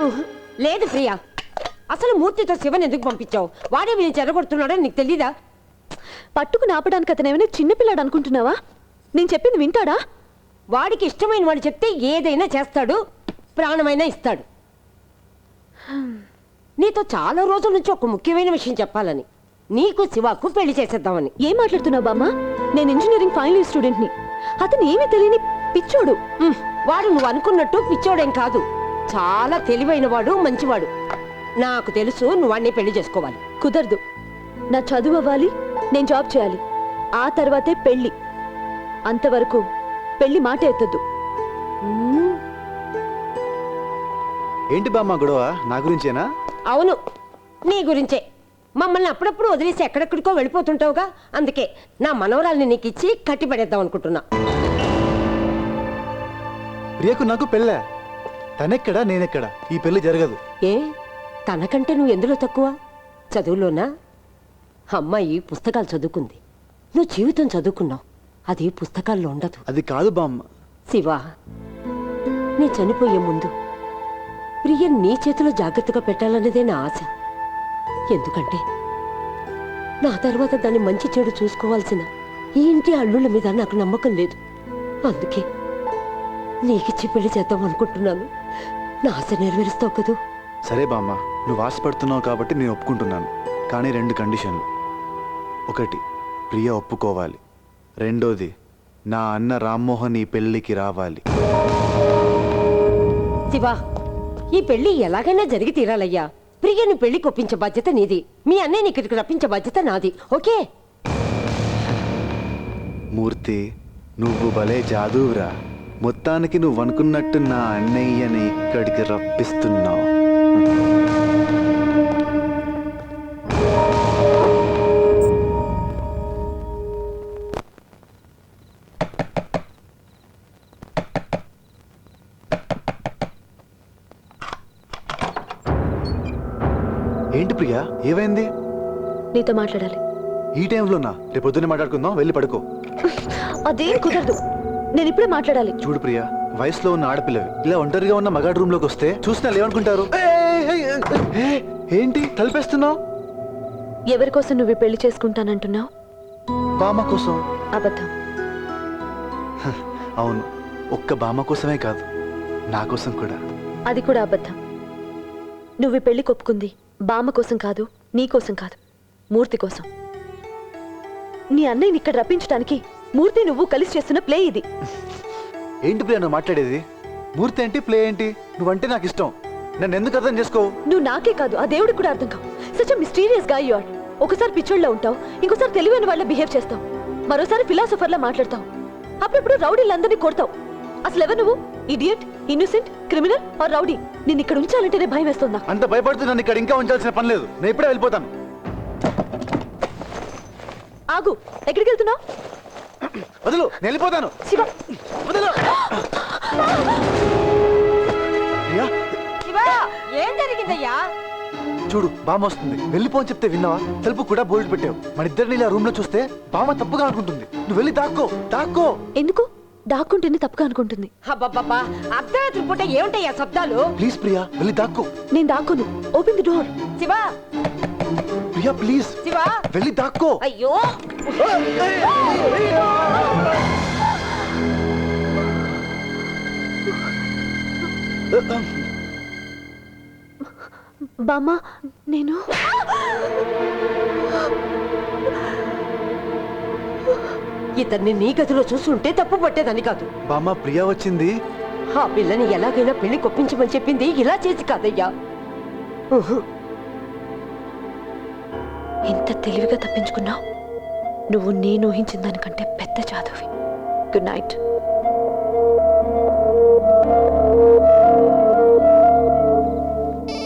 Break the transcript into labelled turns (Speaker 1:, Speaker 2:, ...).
Speaker 1: లేదు ప్రియా, అసలు మూర్తితో శివన్ ఎందుకు పంపించావు? వాడే వీళ్ళు చెరగొడుతున్నాడో నీకు తెలీదా?
Speaker 2: పట్టుకుని ఆపడానికి అతనేమైనా చిన్నపిల్లాడు అనుకుంటున్నావా? నేను చెప్పింది వింటాడా?
Speaker 1: వాడికి ఇష్టమైన వాడు చెప్తే ఏదైనా చేస్తాడు, ప్రాణమైనా ఇస్తాడు. నీతో చాలా రోజుల నుంచి ఒక ముఖ్యమైన విషయం చెప్పాలని, నీకు శివకు పెళ్లి చేసేద్దామని.
Speaker 2: ఏం మాట్లాడుతున్నావు బామ్మ? నేను ఇంజనీరింగ్ ఫైనల్ ఇయర్ స్టూడెంట్ని. అతను ఏమీ తెలియని పిచ్చోడు.
Speaker 1: వాడు నువ్వు అనుకున్నట్టు పిచ్చోడేం కాదు, చాలా తెలివైన వాడు, మంచివాడు. నాకు తెలుసు నువ్వు వాడిని పెళ్లి చేసుకోవాలి.
Speaker 2: కుదరదు. నా చదువు అవ్వాలి, నేను జాబ్ చేయాలి, ఆ తర్వాతే పెళ్లి. అంతవరకు పెళ్లి మాట ఎత్తద్దు.
Speaker 3: ఏంటి బామ్మ గొడవ? నా గురించేనా?
Speaker 1: అవును, నీ గురించే. మమ్మల్ని అప్పుడప్పుడు వదిలేసి ఎక్కడెక్కడికో వెళ్ళిపోతుంటావుగా, అందుకే నా మనవరాల్ని నీకు ఇచ్చి కట్టిపడేద్దాం అనుకుంటున్నా.
Speaker 3: ప్రియకు నాకు పెళ్ళా? తనెక్కడా నేనెక్కడా? ఈ పెళ్లి జరగదు.
Speaker 1: ఏ, తనకంటే నువ్వు ఎందులో తక్కువ? చదువులోనా? అమ్మాయి పుస్తకాలు చదువుకుంది, నువ్వు జీవితం చదువుకున్నావు. అది పుస్తకాల్లో ఉండదు.
Speaker 3: అది కాదు బామ్మ.
Speaker 1: శివ, నీ చనిపోయే ముందు ప్రియ నీ చేతిలో జాగ్రత్తగా పెట్టాలన్నదే నా ఆశ. ఎందుకంటే నా తర్వాత దాన్ని మంచి చెడు చూసుకోవాల్సిన ఈ ఇంటి అల్లుళ్ళ మీద నాకు నమ్మకం లేదు. అందుకే నీకిచ్చి పెళ్లి చేద్దాం అనుకుంటున్నాను. నా ఆశ నెరవేరుస్తావు కదూ?
Speaker 3: సరే బామ్మ, నువ్వు ఆశపడుతున్నావు కాబట్టి నేను ఒప్పుకుంటున్నాను. కానీ 2 కండిషన్లు. 1, ప్రియ ఒప్పుకోవాలి. 2, నా అన్న రామ్మోహన్ ఈ పెళ్లికి రావాలి.
Speaker 1: శివ, ఈ పెళ్లి ఎలాగైనా జరిగి తీరాలయ్యా. ప్రియను పెళ్లికి ఒప్పించే బాధ్యత నీది, మీ అన్నయ్యని ఇక్కడికి రప్పించే బాధ్యత నాది. ఓకే?
Speaker 3: మూర్తి, నువ్వు భలే జాదూరా. మొత్తానికి నువ్వు అనుకున్నట్టు నా అన్నయ్యని ఇక్కడికి రప్పిస్తున్నావు. ఏంటి ప్రియా, ఏమైంది?
Speaker 2: నీతో మాట్లాడాలి.
Speaker 3: ఈ టైంలోనా? రేపు పొద్దున్నే మాట్లాడుకుందాం, వెళ్ళి పడుకో.
Speaker 2: అదేం కుదరదు, నేను ఇప్పుడే మాట్లాడాలి.
Speaker 3: చూడు ప్రియా, వయసులో ఉన్న ఆడపిల్లవి ఇలా ఒంటరిగా ఉన్న మగాడు రూమ్ లోకి వస్తే చూసిన ఏమనుకుంటారు? ఏంటి తలిపేస్తున్నావు?
Speaker 2: ఎవరి కోసం నువ్వు పెళ్లి చేసుకుంటానంటున్నావు?
Speaker 3: బామ్మ కోసం.
Speaker 2: అబద్ధం.
Speaker 3: అవును, ఒక్క బామ్మ కోసమే కాదు, నా కోసం కూడా.
Speaker 2: అది కూడా అబద్ధం. నువ్వు పెళ్లి కొప్పుకుంది బామ్మ కోసం కాదు, నీ కోసం కాదు, మూర్తి కోసం. నీ అన్నయ్యని ఇక్కడ రప్పించడానికి మూర్తి నువ్వు కలిసి చేస్తున్న ప్లే ఇది.
Speaker 3: ఏంటి ప్రియా నువ్వు మాట్లాడేది? మూర్తి ఏంటి, ప్లే ఏంటి? నువ్వంటే నాకు ఇష్టం, నన్ను ఎందుకు అర్థం చేసుకోవు?
Speaker 2: నువ్వు నాకే కాదు, ఆ దేవుడికి కూడా అర్థం కావు. సచ్ మిస్టీరియస్ గా యు ఆర్. ఒకసారి పిచ్చోళ్ళ ఉంటావు, ఇంకోసారి తెలివైన వాళ్ళ బిహేవ్ చేస్తావు, మరోసారి ఫిలాసఫర్లా మాట్లాడతావు, అప్పుడప్పుడు రౌడీలందరినీ కొడతావు. అసలు ఎవరు నువ్వు? Idiot, innocent, criminal or rowdy? నిన్ను ఇక్కడ ఉంచాలంటేనే భయం వేస్తుందా?
Speaker 3: అంత భయపడుతూ నన్ను ఇక్కడ ఇంకా ఉంచాల్సిన పని లేదు, నేను ఇప్పుడే వెళ్ళిపోతాను.
Speaker 2: ఆగు, ఎక్కడికి వెళ్తున్నావు?
Speaker 3: వదులు, నేను వెళ్ళిపోతాను.
Speaker 2: శివ,
Speaker 3: వదులు. ప్రియా,
Speaker 1: శివ, ఏం జరిగిందయ్యా?
Speaker 3: చూడు బామ్మ వస్తుంది, వెళ్ళిపో అని చెప్తే విన్నావా? తలుపు కూడా బోల్ట్ పెట్టావు. మన ఇద్దరిని ఇలా రూమ్ లో చూస్తే బామ్మ తప్పుగా అనుకుంటుంది. నువ్వు వెళ్ళి దాక్కో, దాక్కో.
Speaker 2: ఎందుకు? దాక్కుంటేనే తప్పుగా అనుకుంటుంది.
Speaker 1: అబ్బబ్బబ్బా, అర్ధరాత్రి పూట ఏమిటయ్యా శబ్దాలు?
Speaker 3: ప్లీజ్ ప్రియా, వెళ్ళి దాక్కో.
Speaker 2: నేను దాక్కోను. Open the door.
Speaker 1: Shiva,
Speaker 3: Priya please
Speaker 1: Shiva,
Speaker 3: వెళ్ళి దాక్కో.
Speaker 1: అయ్యో!
Speaker 2: బామ్మ, నేను
Speaker 1: ఇతన్ని నీ గదిలో చూస్తుంటే తప్పు పట్టేదని కాదు.
Speaker 3: బామ్మ, ప్రియా వచ్చింది.
Speaker 1: ఆ పిల్లని ఎలాగైనా పెళ్లి కొప్పించమని చెప్పింది, ఇలా చేసి కాదయ్యా.
Speaker 2: ఎంత తెలివిగా తప్పించుకున్నావు. నువ్వు నేను ఊహించిన దానికంటే పెద్ద జాదువి. Good night.